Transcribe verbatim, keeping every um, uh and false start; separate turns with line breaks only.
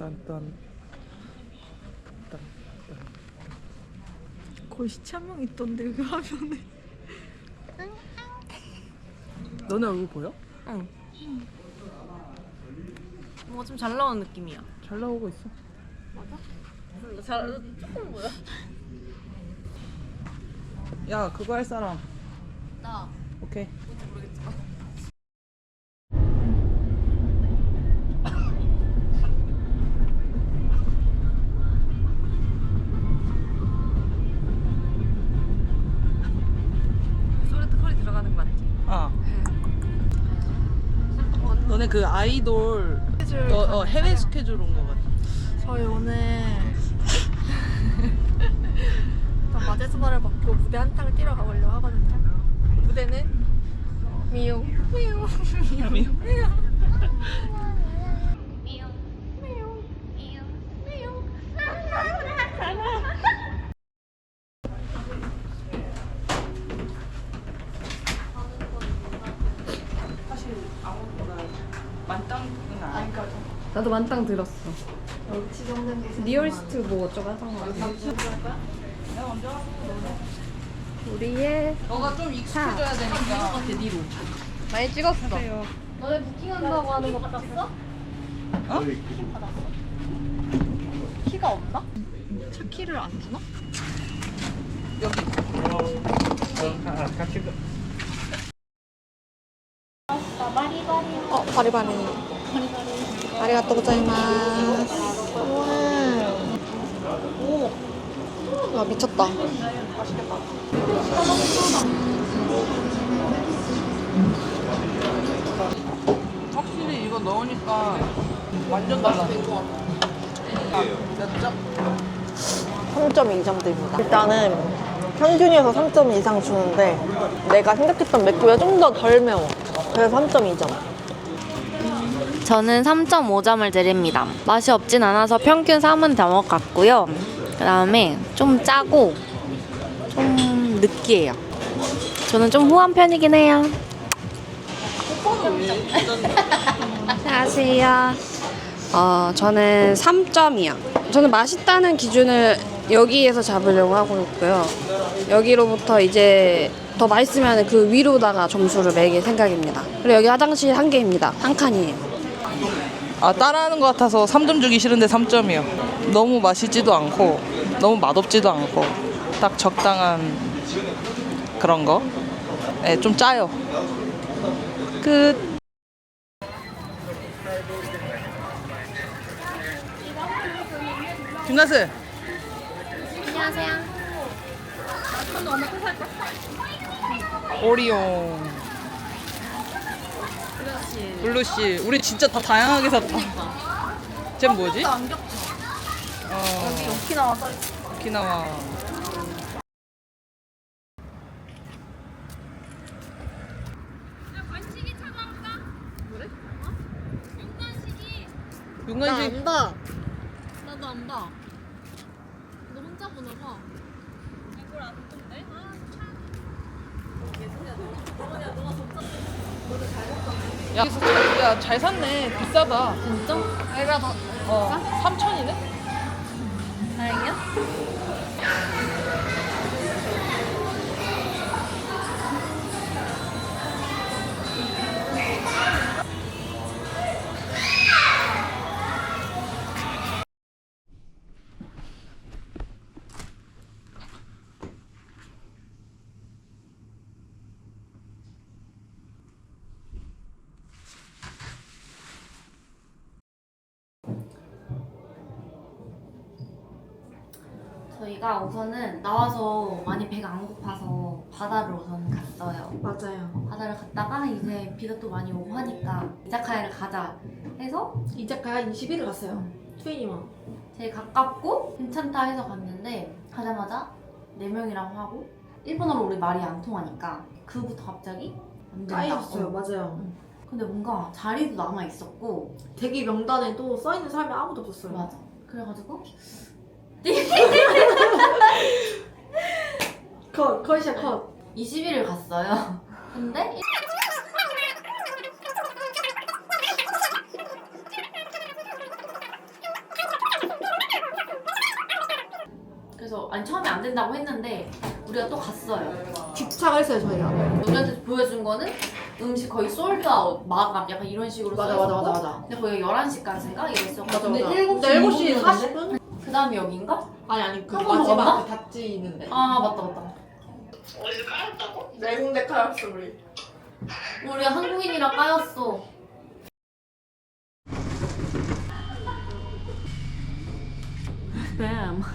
딴딴 딴.
거의 시체 한 명 있던데 여기 화면에.
너네 얼굴 보여?
응. 뭔가 좀 잘 나온 느낌이야.
잘 나오고 있어.
맞아? 몰라. 잘 조금 보여.
야, 그거 할 사람.
나
오케이.
뭔지 모르겠지만. 소레트 컬이 들어가는 거 맞지?
아. 너네 그 아이돌
스케줄
어, 어
가는
해외
촬영.
스케줄 온 거 같아.
저희 오늘 마제수발을 받고 무대 한탕을 뛰러 가보려고 하거든요. 무대는 미용 미용 미용 미용
사실 아무거나 만땅은 아니까.
나도 만땅 들었어. 리얼스트 뭐 어쩌고 하던 거 같아.
내가 먼저 하고
우리의
너가 좀 익숙해져야 되니까. 뒤로.
많이 찍었어. 너네 부킹한다고 하는 거 받았어?
어?
키가 없나? 차 키를 안 주나?
여기.
어 바리바리 아리가또 고자이마스. 오, 야 미쳤다.
확실히 이거 넣으니까 완전 달라. 몇 점?
삼 점 이 점대입니다. 일단은 평균에서 삼 점 이상 주는데 내가 생각했던 맥주가 좀 더 덜 매워. 그래서 삼 점 이 점.
저는 삼 점 오 점을 드립니다. 맛이 없진 않아서 평균 삼은 넘어갔고요. 그 다음에 좀 짜고 좀 느끼해요. 저는 좀 후한 편이긴 해요.
안녕하세요. 어, 저는 삼 점이요. 저는 맛있다는 기준을 여기에서 잡으려고 하고 있고요. 여기로부터 이제 더 맛있으면 그 위로다가 점수를 매길 생각입니다. 그리고 여기 화장실 한 개입니다. 한 칸이에요.
아, 따라하는 것 같아서 삼 점 주기 싫은데 삼 점이요. 너무 맛있지도 않고 너무 맛없지도 않고 딱 적당한 그런 거. 네, 좀 짜요. 끝. 김가스.
안녕하세요.
오리온. 블루씨. 우리 진짜 다 다양하게 샀다. 쟤 뭐지?
안 겹쳐.
어,
여기 오키나와 써있어.
오키나와. 윤관식.
안다. 나도 안 봐. 너 혼자 보나 봐. 이걸 안 본대? 아, 참.
야, 야, 잘 샀네. 비싸다.
진짜? 내가 더
어, 삼천이네?
다행이야?
저희가 우선은 나와서 많이 배가 안 고파서 바다를 우선 갔어요.
맞아요.
바다를 갔다가 이제 비가 또 많이 오고 하니까 이자카야를 가자 해서
이자카야 이십일 일 갔어요. 트웬티원.
제일 가깝고 괜찮다 해서 갔는데 가자마자 네 명이랑 하고 일본어로 우리 말이 안 통하니까 그부터 갑자기 안 된다.
까였어요.
어.
맞아요.
근데 뭔가 자리도 남아 있었고
대기 명단에 또 써있는 사람이 아무도 없었어요.
맞아. 그래가지고
컷, 컷이야 컷.
이십일 일 갔어요. 근데 아니 처음에 안 된다고 했는데 우리가 또 갔어요.
주차를 했어요 저희가.
우리한테 보여준 거는 음식 거의 솔드아웃 마감 약간 이런 식으로
맞아,
써있었고
맞아, 맞아, 맞아.
근데 거기가 열한 시까지인가 이랬어.
맞아,
근데
맞아.
일곱 시
근데 일곱 시 사십 분?
그 다음에 여긴가?
아니 아니 그
한번
마지막
먹었나?
그 닷지 있는데.
아 맞다 맞다.
네 군데 깔았어 우리.
우리 한국인이라 까였어. 뱀.